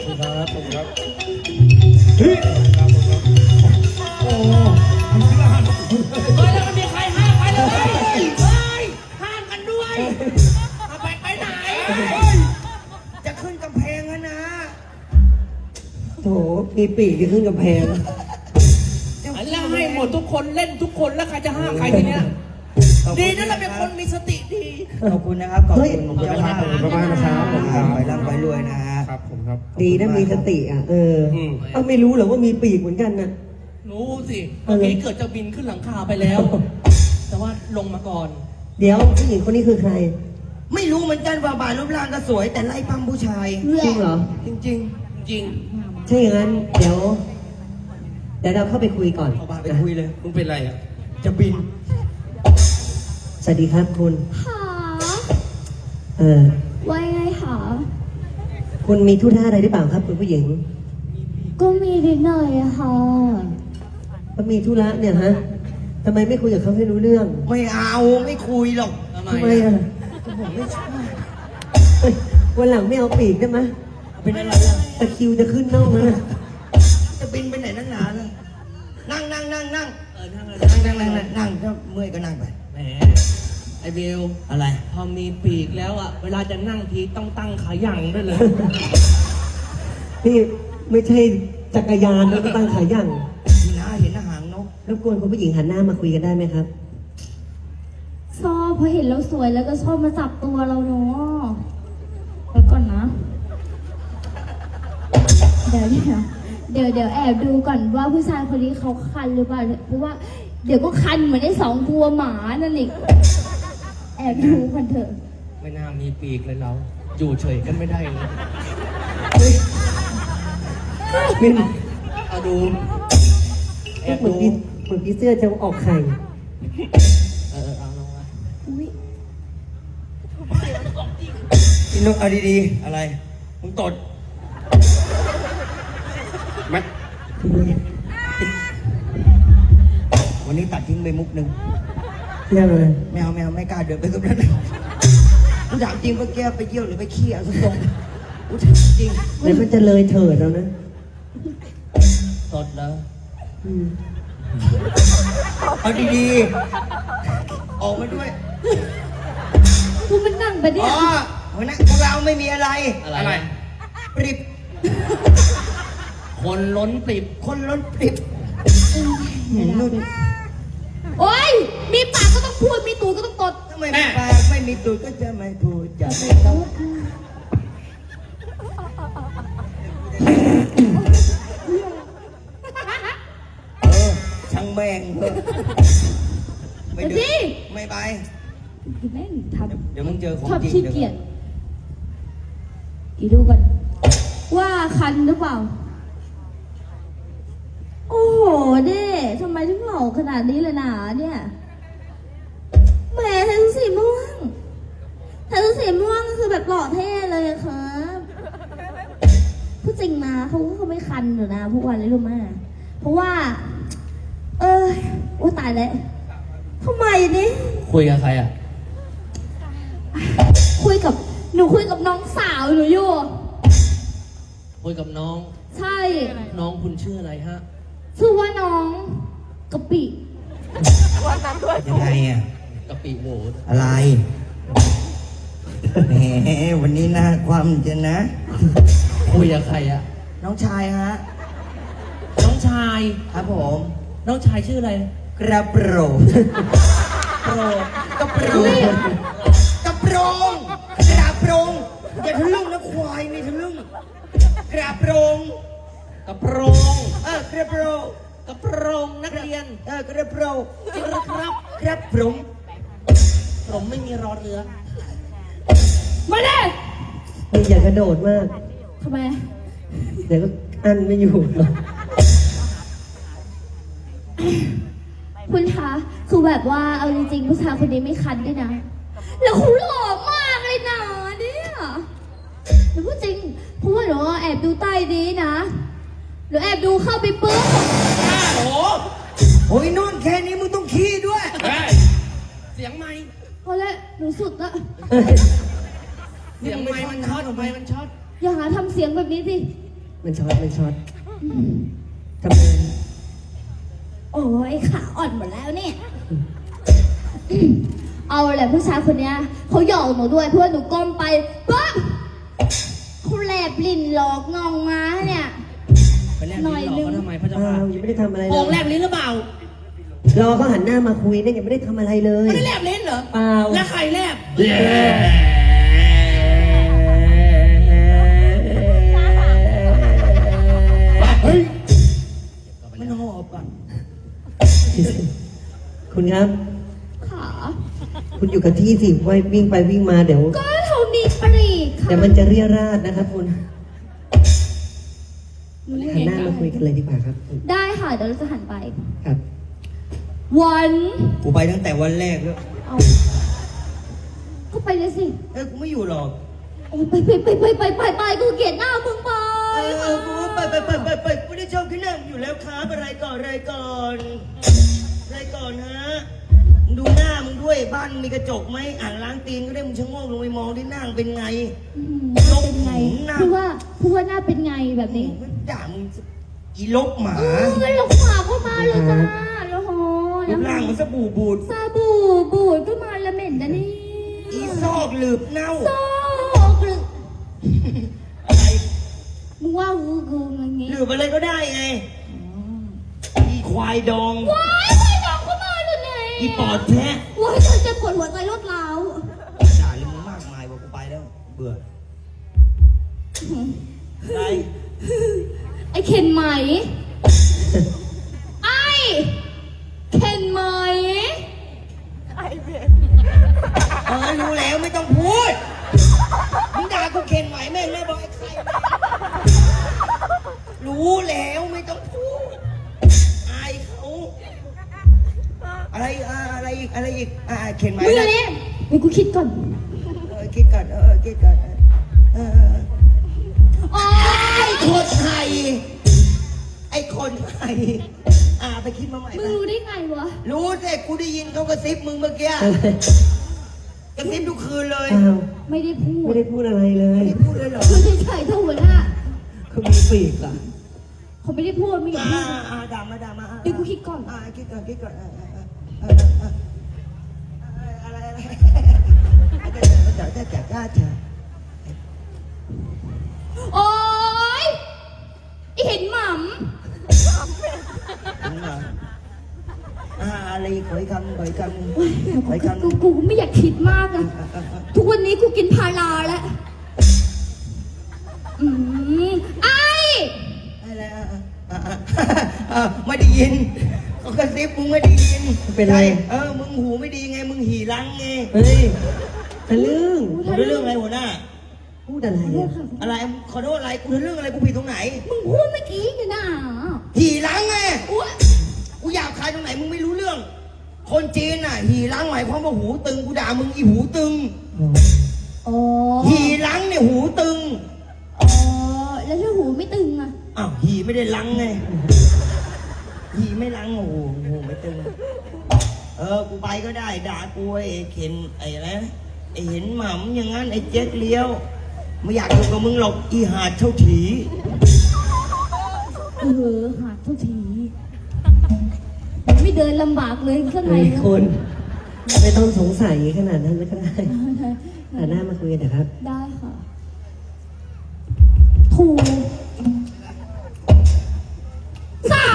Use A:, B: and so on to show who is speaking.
A: ครับผมครับ
B: เฮ้ย
A: โอ้
B: มันคืออะไร
C: เฮ้ยแล้วมันมีใครห้ามไปเลยเฮ้ยห้ามกันด้วยไปไหนจะขึ้นกำแพงแล้วนะ
D: โถมีปีกที่ขึ้นกำแพง
C: แล้วให้หมดทุกคนเล่นทุกคนแล้วใครจะห้ามใครทีเนี้ยดีนะเราเป็นคนมีสติดี
E: ขอบคุณนะครับขอบคุณผมเจ้าภาพ
A: ขอบคุณมากนะครับ
E: ไปร่ำไปรวยนะฮะ
A: ครับผมครับ
D: ดีนะมีสติอ่ะเอาไม่รู้เหรอว่ามีปีกเหมือนกันน่ะ
C: รู้สิเมื่อกี้เกิดจะบินขึ้นหลังคาไปแล้ว แต่ว่าลงมาก่อน
D: เดี๋ยวผู้หญิงคนนี้คือใคร
E: ไม่รู้เหมือนกันว่าบานรูปร่างก็สวยแต่ไล่ปั้มผู้ชาย
D: จริงเหรอ
E: จริง
C: จริง
D: ใช่อย่างนั้นเดี๋ยวเราเข้าไปคุยก่อน
E: ๆเอาบานไปคุยเลย
C: มึงเป็นไรอ่ะ
E: จะบิน
D: สวัสดีครับคุณ
F: หา ว่าไงหา
D: คุณมีธุระอะไรหรือเปล่าครับคุณผู้หญิง
F: ก็มีนิดหน่อยอะค่ะ
D: ก็มีธุระเนี่ยฮะทำไมไม่คุยกับเขาให้รู้เรื่อง
E: ไม่เอาไม่คุยหรอก
C: ทำไม
D: ทำไมอ่ะ
E: ผมไม่ชอบ
D: เฮ้ยวันหลังไม่เอาปีกได้ไหม
E: เป็นอะไรอ่ะ
D: ตะคริวจะขึ้นน่องแล้วนะ
E: จะบินไปไหนนั่งหนาเลยนั่งนั่งนั่งนั่ง
C: นั่งเลย
E: นั่งนั่งนั่งนั่งถ้าเมื่อยก็นั่งไป
C: แหมไอเบล
E: อะไร
C: พอมีปีกแล้วอ่ะเวลาจะนั่งทีต้องตั้งขายั่งด้วยเลย
D: นี่ไม่ใช่จักรยานแล้วก็ตั้งขายั่ง
E: นี่นะเห็นหางนก
D: รบกวนคุณผู้หญิงหันหน้ามาคุยกันได้ไหมครับ
F: ชอบพอเห็นเราสวยแล้วก็ชอบมาจับตัวเราเนาะแล้วก่อนนะ เดี๋ยวแอบดูก่อนว่าผู้ชายคนนี้เขาคันหรือเปล่าเพราะว่าเดี๋ยวก็คันเหมือนไอ้สองตัวหมานั่นอีกแอบดูกันเถอะ
C: ไม่น่ามีปีกเลยเรา อยู่เฉยกันไม่ได้เลย
D: เป็น
C: เอาดูแอบ
D: เหมือน
C: ดู
D: พี่เสื้อจะออกไข่
C: เอาลงมา
F: อุ้ย
E: พี่นกเอาดีๆอะไรมึงตด
A: แม็ก
E: วันนี้ตัดทิ้งไปมุกหนึ่ง
D: เรื่องอะไร
E: ไม่เอาไม่กล้าเดินไปตรงนั้นกูถามจริงว่าแกไปเยี่ยวหรือไปขี้เอาตรงๆกูถามจริง
D: เดี๋ยวมันจะเลยเถิดแล้วนะ
C: สดแล้ว
D: อืม
E: เอาดีๆออกมาด้วย
F: กูมันนั่งไปเนี่
E: อ๋
F: ย
E: อวันนั้นพวกเราไม่มีอะไร
C: อะไร
E: ปริบ
C: คนล้นปิบ
E: คนล้นปริบนุ่น
F: โอ๊ยมีปากก็ต้องพูดมีตูดก็ต้องตด
E: ทำไมไม่ปากไม่มีตูดก็จะไม่พูดจะไม่ต้องช่างแม่งเถอะไม่ดื้อไม่ไป
F: แม่งทำ
E: เดี๋ยวมึงเจอของ
F: ชอบ
E: จริง
F: ขี้เกียจอีดูก่อนว่าคันหรือเปล่า โอ้โหเด้ทำไมถึงหล่อขนาดนี้เลยนะเนี่ยแหมใส่ชุดสีม่วงใส่ชุดสีม่วงคือแบบหล่อเท่เลยอะครับพูดจริงมาเขาไม่คันหรอกนะพวกวันเลยรู้ไหมเพราะว่า ว่าตายแล้วทำไมนี่
C: คุยกับใครอ่ะ
F: หนูคุยกับน้องสาวหนูอยู่
C: คุยกับน้อง
F: ใช่
C: น้องคุณชื่ออะไรฮะ
F: ชื่อว่าน้องกะปิ
E: ยังไงอ่ะ
C: กะปิโหว
E: อะไรแหมวันนี้น่าความจะนะ
C: คุยกับใครอ่ะ
E: น้องชายฮะ
C: น้องชาย
E: ครับผม
C: น้องชายชื่ออะไร
E: กระโปรง
C: โปรด
E: กระโปรงกระโปรงกระโปรงอย่าทะลึ่งนะควายนี่ทะลึ่งกระโปรง
C: กระโปรง
E: กระโปรง
C: กระโปรงนักเรียน
E: กระโปรง
C: จริงหรือครับ
E: กระโปรง
C: ผมไม่มีรอเรือ
F: มาเลย
D: นี่อย่ากระโดดมาก
F: ทำไม
D: เดี๋ยวก็อันไม่อยู่หรอก
F: คุณคะคือแบบว่าเอาจริงๆผู้ชายคนนี้ไม่คันด้วยนะ แล้วเขาหล่อมากเลยนะเนี่ยหนูพูดจริงเพราะว่าหนูแอบดูใต้นี้นะหนูแอบดูเข้าไปปุ๊บ
C: โอ้โห
E: โอ้ยนุ่นแค่นี้มึงต้องขี้ด้วย
C: เสียงไม้
F: พอแล้วหนูสุดละ
C: เสียงไม้มันช็อตไม้มันช็อต
F: อย่าหาทำเสียงแบบนี้สิ
D: มันช็อตทำไม
F: โอ้ยขาอ่อนหมดแล้วเนี่ยเอาแหละผู้ชายคนเนี้ยเขาหยอกหนูด้วยเพื่อนหนูก้มไปปั๊บเขาแลบลิ้นหลอกงองม้าเนี่ย
C: ไปแลบลิ้นหลอกเขาทำไมพระเจ้า
D: เปล่า
C: ค่ะ
D: ยังไม่ได้ทำอะไรเล
C: โอ่งแล
D: ย
C: บลิ้นหรือเปล่าร
D: อเขาหันหน้ามาคุยเนี่ยยังไม่ได้ทำอะไรเลย
C: ไม่ได้แลบลิ้นเหรอ
D: เปล่า
C: แล้วใครแลบ
A: เฮ้ย
C: มันหอบอ่ะ
D: คุณครับ
F: ขา
D: คุณอยู่กับที่สิไว้วิ่งไปวิ่งมาเดี๋ยว
F: ก็เขามีปรีค่ะ
D: เดี๋ยวมันจะเรียราดนะครับคุณหันหน้ามาคุยกันเลยดีกว่าครับ
F: ได้ค่ะเดี๋ยวเราจะหันไป
D: ครับ
F: วัน
E: กูไปตั้งแต่วันแรกแล้ว
F: เอาก็ไปเลยสิ
E: กูไม่อยู่หรอก
F: โอ้ยไปกูเกลียดหน้ามึงไป
E: กูไปกูได้ชอบขึ้นนั่งอยู่แล้วครับอะไรก่อนฮะดูหน้ามึงด้วยบ้านมีกระจกไหมอ่างล้างตีนก็ได้มึงชะโงกลงไปมองที่หน้าเป็นไง
F: หน้าเป็นไงพูดว่าหน้าเป็นไงแบบนี้
E: ด่ามึงอีลกหมา
F: หลงหมาก็มาเลยจ้าโอ้โห
E: รูปร่างมันสบู่บูด
F: ซาบูบูดก็มาละเหม็นนะนี่
E: อีซอกหลืบเน่า
F: โซ่กรึ
E: อะไร
F: มึงว่ากูอย่างงี้
E: หลืบอะไรก็ได้ไงอีควายดอง
F: ว้ายไปดองก็มาเลยเนี่ย
E: อีปอดแท้
F: ว้ายฉันจะปวดหัวใจรถร้าว
E: ด่าเลยมึงมากมายว่ากูไปแล้ว เบื่ออะไร
F: ไอ้เคนไหมไอ้เคนไหม
E: รู้แล้วไม่ต้องพูดมึงด่ากูเข็นไหวแม่งแม่บอกไอ้ใครรู้แล้วไม่ต้องพูดอายเขาอะไรอีกเข็นไหว
F: มึงอะไรเดี๋ยวกูคิดก่อน
E: คิดก่อนคิดก่อน
F: โอ๊ย
E: คนไทยไอ้คนไทยไปคิดมาใหม่
F: มึงรู้ได้ไงวะ
E: รู้แต่กูได้ยินเขากระซิบมึงเมื่อกี้กระซิบทุกคืนเลย
D: เปล่า
F: ไม่ได้พูด
D: ไม่ได้พูดอะไรเลย
E: ไม่พูดเลยเหรอ
F: คือเฉยๆเท่าหัวหน้า
D: เขามีปีกเหรอ
F: เขาไม่ได้พูดไม่อยากพูด
E: ด่ามา
F: เดี๋ยวกูคิดก่อน
E: คิดก่อนอะไรจะ
F: โอ๊ยไอเห็นหม่
E: อะไรขอยคำ
F: ำกูไม่อยากคิดมากอะทุกวันนี้กูกินพาราแล้วไอ
E: อะไรไม่ได้ยินเขากระซิบมึงไม่ได้ยิน
D: เป็นไร
E: มึงหูไม่ดีไงมึงหีรังไง
D: เฮ้ยทะลึ่ง
E: กูเรื่องอะไรหัวหน้า
D: พูดอะไรอ่ะ
E: อะไรขอโทษอะไรกูเรื่องอะไรกูผิดตรงไหน
F: มึงพูดเมื่อกี้เนี่ยนะ
E: หีรังไง
F: อุ๊ย
E: กูอยากขายตรงไหนมึงไม่รู้เรื่อง คนจีนน่ะหีรังหมายความว่าหูตึงกูด่ามึงอีหูตึง
F: อ๋อ
E: หีรังเนี่ยหูตึง
F: อ๋อแล้วถ้าหูไม่ตึงอะ
E: อ้าวหีไม่ได้รังไงหีไม่รังโอ้โหหูไม่ตึงกูไปก็ได้ด่ากูไอ้เข็นไอ้อะไรนะไอ้เห็นหม่ำอย่างนั้นไอ้เจ๊กเลี้ยวไม่อยากอยู่กับมึงหรอกอีหาดเท่าถี
F: หาดทุกทีไม่เดินลำบากเลยข้างใน
D: เฮ้ยคุณไม่ต้องสงสัยขนาดนั้นไม่ก็ได้หันหน้ามาคุยกันนะครับ
F: ได้ค่ะถู3